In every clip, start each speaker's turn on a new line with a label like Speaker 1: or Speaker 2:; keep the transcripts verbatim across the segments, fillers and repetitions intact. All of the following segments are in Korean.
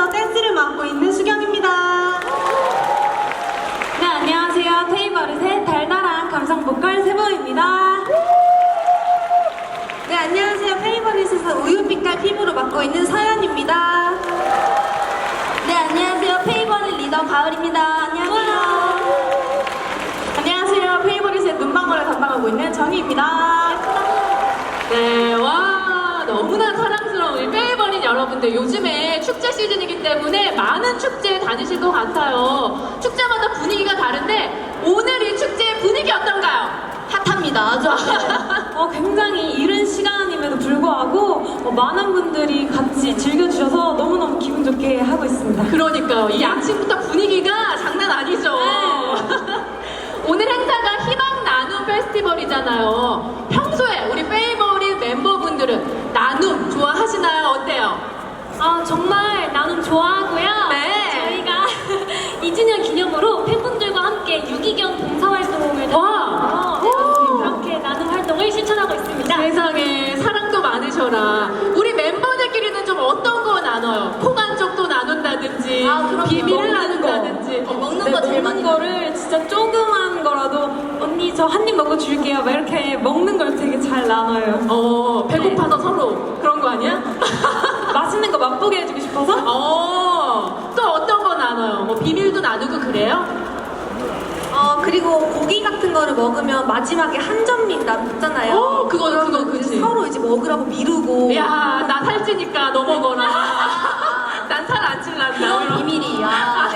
Speaker 1: 팀에서 댄스를 맡고 있는 수경입니다.
Speaker 2: 네, 안녕하세요. 페이버릿의 달달한 감성 보컬 세보입니다.
Speaker 1: 네, 안녕하세요. 페이버릿에서 우유빛깔 피부로 맡고 있는 서연입니다.
Speaker 3: 네, 안녕하세요. 페이버릿 리더 가을입니다. 안녕하세요.
Speaker 1: 안녕하세요. 페이버릿의 눈망울을 담당하고 있는 정희입니다.
Speaker 4: 네, 와, 너무나 사랑스러운 우리 페이버릿 여러분들. 요즘에 축제 시즌이기 때문에 많은 축제에 다니실 것 같아요. 축제마다 분위기가 다른데 오늘 이 축제의 분위기 어떤가요?
Speaker 3: 핫합니다. 아주
Speaker 2: 어, 굉장히 이른 시간임에도 불구하고 어, 많은 분들이 같이 즐겨주셔서 너무너무 기분 좋게 하고 있습니다.
Speaker 4: 그러니까요. 이 아침부터 분위기가 장난 아니죠.
Speaker 2: 네.
Speaker 4: 오늘 행사가 희망 나눔 페스티벌이잖아요. 평소에 우리 페이버릿 멤버분들은 나눔 좋아하시나요? 어때요?
Speaker 2: 아, 정말 나눔 좋아하고요.
Speaker 4: 네.
Speaker 2: 저희가 이 주년 기념으로 팬분들과 함께 유기견 봉사활동을
Speaker 4: 와.
Speaker 2: 하면서 그렇게 나눔 활동을 실천하고 있습니다.
Speaker 4: 세상에 사랑도 많으셔라. 우리 멤버들끼리는 좀 어떤 거 나눠요? 코간 쪽도 나눈다든지
Speaker 3: 아, 그럼요.
Speaker 4: 비밀을
Speaker 2: 먹는 거.
Speaker 4: 나눈다든지
Speaker 3: 어, 먹는
Speaker 2: 네,
Speaker 3: 거 제일
Speaker 2: 먹는
Speaker 3: 많이
Speaker 2: 거를 진짜 조그만 거라도 언니 저 한 입 먹어 줄게요. 막 이렇게 먹는 걸 되게 잘 나눠요.
Speaker 4: 어, 배고파서 서로 그런 거 아니야?
Speaker 2: 맛있는 거 맛보게 해주고 싶어서?
Speaker 4: 어, 또 어떤 거 나눠요? 뭐 비밀도 나누고 그래요?
Speaker 1: 어, 그리고 고기 같은 거를 먹으면 마지막에 한 점씩 남잖아요.
Speaker 4: 어, 그거, 그거,
Speaker 1: 그러면
Speaker 4: 그치.
Speaker 1: 서로 이제 먹으라고 미루고.
Speaker 4: 야, 나 살찌니까 너 먹어라. 난 살 안 찔란다.
Speaker 3: 그런 비밀이야.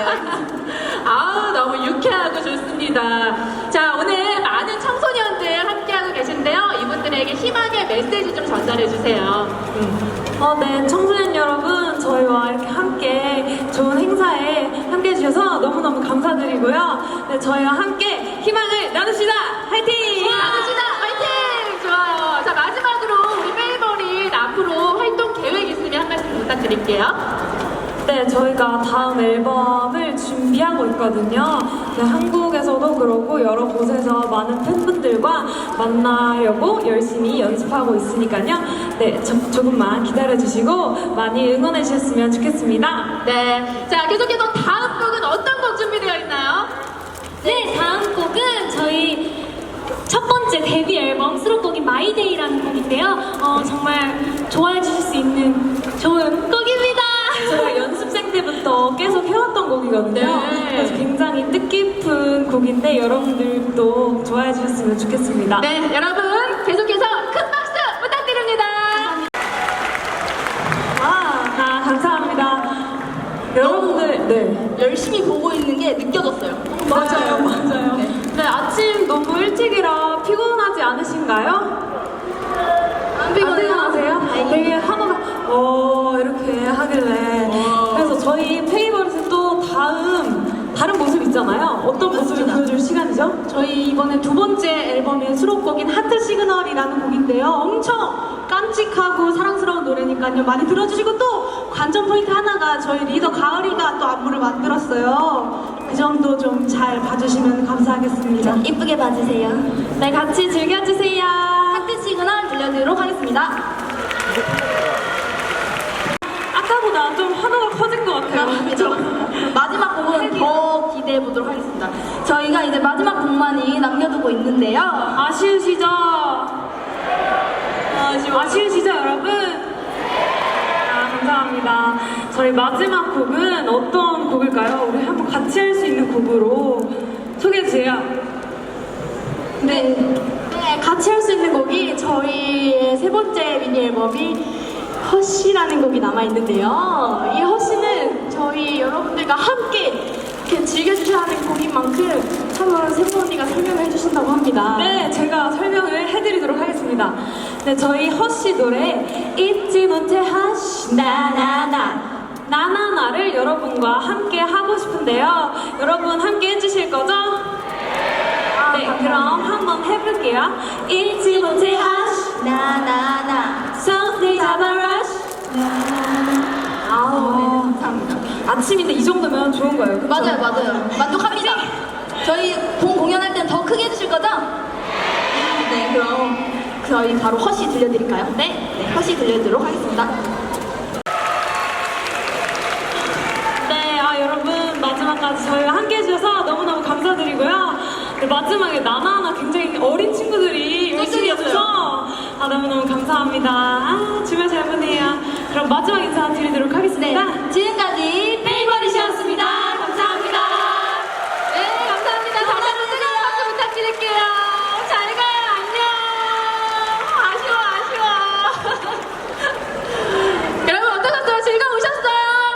Speaker 4: 아, 너무 유쾌하고 좋습니다. 자, 오늘 많은 청소년들 함께하고 계신데요. 이분들에게 희망의 메시지 좀 전달해 주세요.
Speaker 2: 어, 네, 청소년 여러분, 저희와 이렇게 함께 좋은 행사에 함께 해주셔서 너무너무 감사드리고요. 네, 저희와 함께 희망을 나눕시다! 화이팅!
Speaker 4: 나누시다! 화이팅! 좋아요. 자, 마지막으로 우리 페이버릿 앞으로 활동 계획 있으면 한 말씀 부탁드릴게요.
Speaker 2: 네, 저희가 다음 앨범을 준비하고 있거든요. 네, 한국에서도 그렇고 여러 곳에서 많은 팬분들과 만나려고 열심히 연습하고 있으니까요. 네, 저, 조금만 기다려주시고 많이 응원해 주셨으면 좋겠습니다.
Speaker 4: 네. 자, 계속해서 다음 곡은 어떤 곡 준비되어 있나요?
Speaker 2: 네, 다음 곡은 저희 첫 번째 데뷔 앨범 수록곡인 마이데이라는 곡인데요. 어, 정말 좋아해 주실 수 있는 좋은 곡입니다. 제가 연습생 때부터 계속 해왔던 곡이거든요.
Speaker 4: 네.
Speaker 2: 그래서 굉장히 뜻깊은 곡인데 여러분들도 좋아해 주셨으면 좋겠습니다.
Speaker 4: 네, 여러분 계속해서 큰 박수 부탁드립니다.
Speaker 2: 아, 아, 감사합니다. 여러분들, 네.
Speaker 3: 열심히 보고 있는 게 느껴졌어요.
Speaker 2: 맞아요, 맞아요. 네, 아침 너무 일찍이라 피곤하지 않으신가요?
Speaker 3: 안
Speaker 2: 피곤하세요? 되게 하나가 어 이렇게 하길래
Speaker 4: 어.
Speaker 2: 그래서 저희 페이버릿은 또 다음 다른 모습 있잖아요. 어떤 모습을 보여줄 시간이죠?
Speaker 1: 저희 이번에 두 번째 앨범의 수록곡인 하트 시그널이라는 곡인데요. 엄청 깜찍하고 사랑스러운 노래니까요. 많이 들어주시고 또 관전 포인트 하나가 저희 리더 가을이가 또 안무를 만들었어요. 그 점도 좀 잘 봐주시면 감사하겠습니다.
Speaker 3: 이쁘게 봐주세요.
Speaker 2: 네, 같이 즐겨주세요.
Speaker 3: 하트 시그널 들려드리도록 하겠습니다.
Speaker 2: 아까보다 좀 하나가 커진 것 같아요.
Speaker 3: 그렇죠. 마지막 곡은 더 기대해 보도록 하겠습니다. 저희가 이제 마지막 곡만이 남겨두고 있는데요.
Speaker 2: 아쉬우시죠? 아쉬워. 아쉬우시죠, 여러분? 아, 감사합니다. 저희 마지막 곡은 어떤 곡일까요? 우리 한번 같이 할 수 있는 곡으로 소개해주세요.
Speaker 1: 네. 네, 같이 할 수 있는 곡이 저희의 세 번째 미니 앨범이 허쉬라는 곡이 남아있는데요. 이 허쉬는 저희 여러분들과 함께 이렇게 즐겨주셔야 하는 곡인 만큼 한번 세보 언니가 설명을 해주신다고 합니다.
Speaker 2: 네, 제가 설명을 해드리도록 하겠습니다. 네, 저희 허쉬 노래 잊지 못해 하시 나나나 나나나를 여러분과 함께 하고 싶은데요. 여러분 함께 해주실 거죠? 네, 그럼 한번 해볼게요. 잊지 못해 하시
Speaker 3: 나나나.
Speaker 2: 손을 잡아라.
Speaker 3: 아우, 네, 감사합니다.
Speaker 2: 아침인데 이 정도면 좋은 거예요. 그쵸?
Speaker 3: 맞아요, 맞아요. 만족합니다. 저희 본 공연할 땐 더 크게 해주실 거죠? 네, 그럼 저희 바로 허쉬 들려드릴까요? 네, 네 허쉬 들려드리도록 하겠습니다.
Speaker 2: 네, 마지막에 나나나 굉장히 어린 친구들이 열심히 해줘서 아, 너무너무 감사합니다. 아, 주말 잘 보내요. 그럼 마지막 인사 드리도록 하겠습니다.
Speaker 3: 네, 지금까지 페이버